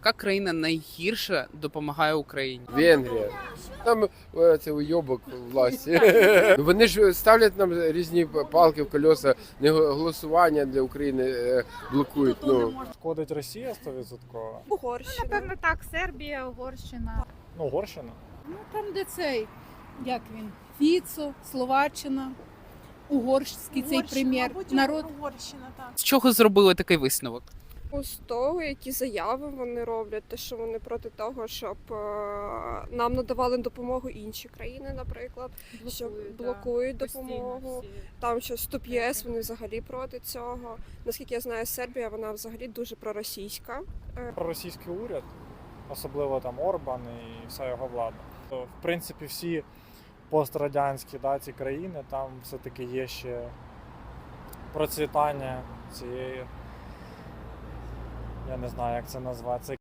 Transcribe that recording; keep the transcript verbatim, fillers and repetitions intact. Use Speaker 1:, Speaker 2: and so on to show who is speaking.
Speaker 1: яка країна найгірше допомагає Україні?
Speaker 2: Венгрія. Там е, це уйобок власті. Ну, вони ж ставлять нам різні палки в колеса, не голосування для України е, блокують. Ну.
Speaker 3: Шкодить Росія сто відсотків.
Speaker 4: Угорщина.
Speaker 5: Напевно, так, Сербія, Угорщина.
Speaker 3: Ну, Угорщина.
Speaker 6: Ну там, де цей, як він, Фіцо, Словаччина, угорський цей прем'єр. Народ
Speaker 4: Угорщина, так.
Speaker 1: З чого зробили такий висновок?
Speaker 4: З того, які заяви вони роблять, те, що вони проти того, щоб е, нам надавали допомогу інші країни, наприклад, що блокують допомогу. Там що Стоп ЄС, вони взагалі проти цього. Наскільки я знаю, Сербія, вона взагалі дуже проросійська.
Speaker 3: Проросійський уряд, особливо там Орбан і вся його влада. То, в принципі, всі пострадянські да, ці країни, там все-таки є ще процвітання цієї, я не знаю, як це назвати.